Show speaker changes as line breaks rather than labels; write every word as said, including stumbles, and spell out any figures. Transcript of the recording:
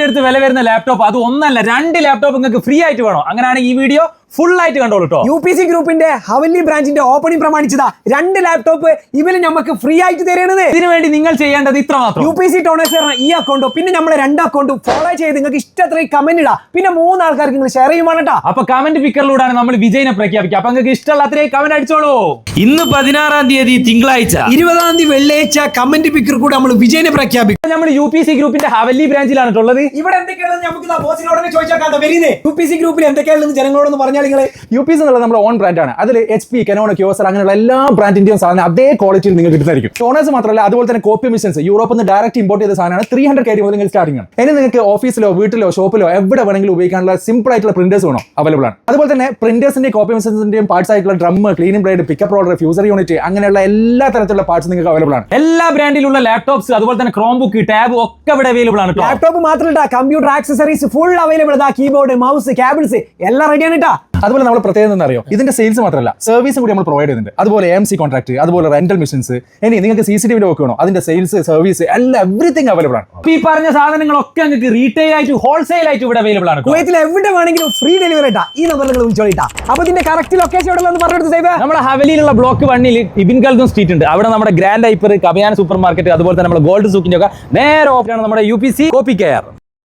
അടുത്ത് വില വരുന്ന ലാപ്ടോപ്പ് അത് ഒന്നല്ല രണ്ട് ലാപ്ടോപ്പ് നിങ്ങൾക്ക് ഫ്രീ ആയിട്ട് വേണോ? അങ്ങനെയാണെങ്കിൽ ഈ വീഡിയോ ഫുൾ ആയിട്ട് കണ്ടോളൂ കേട്ടോ.
യു പി സി ഗ്രൂപ്പിന്റെ ഹവല്ലി ബ്രാഞ്ചിന്റെ ഓപ്പണിംഗ് പ്രമാണിച്ചതാ രണ്ട് ലാപ്ടോപ്പ് ഇവര് നമുക്ക് ഫ്രീ ആയിട്ട് തരുന്നത്.
ഇതിനു വേണ്ടി നിങ്ങൾ ചെയ്യേണ്ടത് ഇത്ര മാത്രം.
യു പി സി ടോണേഴ്സ് ഈ അക്കൗണ്ടോ പിന്നെ നമ്മളെ രണ്ട് അക്കൗണ്ടും ഫോളോ ചെയ്ത് നിങ്ങൾക്ക് ഇഷ്ടത്രയും കമന്റ് ഇടാം. പിന്നെ മൂന്ന് ആൾക്കാർക്ക് നിങ്ങൾ ഷെയർ ചെയ്യുവാണ് കേട്ടോ.
അപ്പൊ കമന്റ് പിക്കറിലൂടെയാണ് നമ്മൾ വിജയിനെ പ്രഖ്യാപിക്കുക. അപ്പൊ നിങ്ങൾക്ക് ഇഷ്ടമുള്ള അത്രയും കമന്റ് അടിച്ചോളൂ. ഇന്ന് പതിനാറാം തീയതി തിങ്കളാഴ്ച,
ഇരുപതാം തീയതി വെള്ളിയാഴ്ച കമന്റ് പിക്കർ കൂടെ നമ്മൾ വിജയിനെ പ്രഖ്യാപിക്കും.
നമ്മൾ യു പി സി ഗ്രൂപ്പിന്റെ ഹവല്ലി ബ്രാഞ്ചിലാണ് ഉള്ളത്.
ഇവിടെ എന്തൊക്കെയാണെന്ന് നമുക്ക് ബോസിനോട് ചോദിച്ചാൽ വരുന്നത് യു പി സി ഗ്രൂപ്പിൽ എന്തൊക്കെയാണെന്ന് ജനങ്ങളോടൊന്ന് പറഞ്ഞാൽ നിങ്ങൾ.
യു പി സി എന്നുള്ളത് നമ്മുടെ ഓൺ ബ്രാൻഡാണ്. അതിൽ എച്ച് പി, കനോൺ, ക്യോസർ അങ്ങനെയുള്ള എല്ലാ ബ്രാൻഡിന്റെയും സാധനം അതേ ക്വാളിറ്റിയിൽ നിങ്ങൾക്ക് കിട്ടുന്നതായിരിക്കും. ടോണേഴ്സ് മാത്രമല്ല, അതുപോലെ തന്നെ കോപ്പി മിഷൻസ് യൂറോപ്പിൽ നിന്ന് ഡയറക്റ്റ് ഇമ്പോർട്ട് ചെയ്ത സാധനമാണ്. ത്രീ ഹൺഡ്രഡ് കെ ഡി മുതൽ നിങ്ങൾ സ്റ്റാർട്ടിംഗ് ആണ്. ഇനി നിങ്ങൾക്ക് ഓഫീസിലോ വീട്ടിലോ ഷോപ്പിലോ എവിടെ വേണമെങ്കിലും ഉപയോഗിക്കാനുള്ള സിമ്പിൾ ആയിട്ടുള്ള പ്രിന്റേഴ്സ് വേണോ അവൈലബിൾ ആണ്. അതുപോലെ തന്നെ പ്രിന്റേഴ്സിന്റെയും കോപ്പി മിഷൻസിന്റെയും പാർട്സ് ആയിട്ടുള്ള drum, cleaning blade, pickup roller, fuser unit അങ്ങനെയുള്ള എല്ലാ തരത്തിലുള്ള പാർട്സ് നിങ്ങൾക്ക് അവൈലബിൾ ആണ്.
എല്ലാ ബ്രാൻഡിലുള്ള ലാപ്ടോപ്സ് അതുപോലെ തന്നെ ക്രോം ബുക്ക്, ടാബ് ഒക്കെ ഇവിടെ അവൈലബിൾ ആണ്.
ലാപ്ടോപ്പ് മാത്രമല്ല, computer accessories full available. Keyboard, mouse, cables എല്ലാം റെഡിയാണ് കേട്ടോ.
അതുപോലെ നമ്മൾ പ്രത്യേകം എന്താ അറിയോ, ഇതിന്റെ സെയിൽസ് മാത്രമല്ല സർവീസും കൂടി നമ്മൾ പ്രൊവൈഡ് ചെയ്യുന്നുണ്ട്. അതുപോലെ എം സി കോൺട്രാക്ട്, അതുപോലെ റെന്റൽ മിഷൻസ്, ഇനി നിങ്ങൾക്ക് C C T V work വേണോ അതിന്റെ സെയിൽസ്, സർവീസ് എല്ലാം എവറിത്തിങ് അവൈലബിൾ ആണ്.
ഈ പറഞ്ഞ സാധനങ്ങളൊക്കെ നിങ്ങൾക്ക് റീറ്റെയിൽ ആയിട്ട് ഹോൾസെയിൽ ആയിട്ട് ഇവിടെ അവൈലബിൾ ആണ്.
കുവൈത്തിൽ എവിടെ വേണമെങ്കിലും ഫ്രീ ഡെലിവറി ഇട്ടാ ഈ നമ്പറിൽ നിങ്ങൾ വിളിച്ചോളിട്ടാ. അപ്പൊ ഇതിന്റെ കറക്റ്റ് ലൊക്കേഷൻ എവിടെ എന്ന് പറഞ്ഞെടുത്ത് സേവ്.
നമ്മുടെ ഹവലിയിലുള്ള ബ്ലോക്ക് വണ്ണിൽ ഇബിൻ ഖൽദൂം സ്ട്രീറ്റ് ഉണ്ട്. അവിടെ നമ്മുടെ Grand Hyper, Kabayan supermarket, അതുപോലെ തന്നെ നമ്മുടെ ഗോൾഡ് സൂക്കിന്റെ ഒക്കെ നേരെ ഓപ്പൺ ആണ് നമ്മുടെ U P C copy care.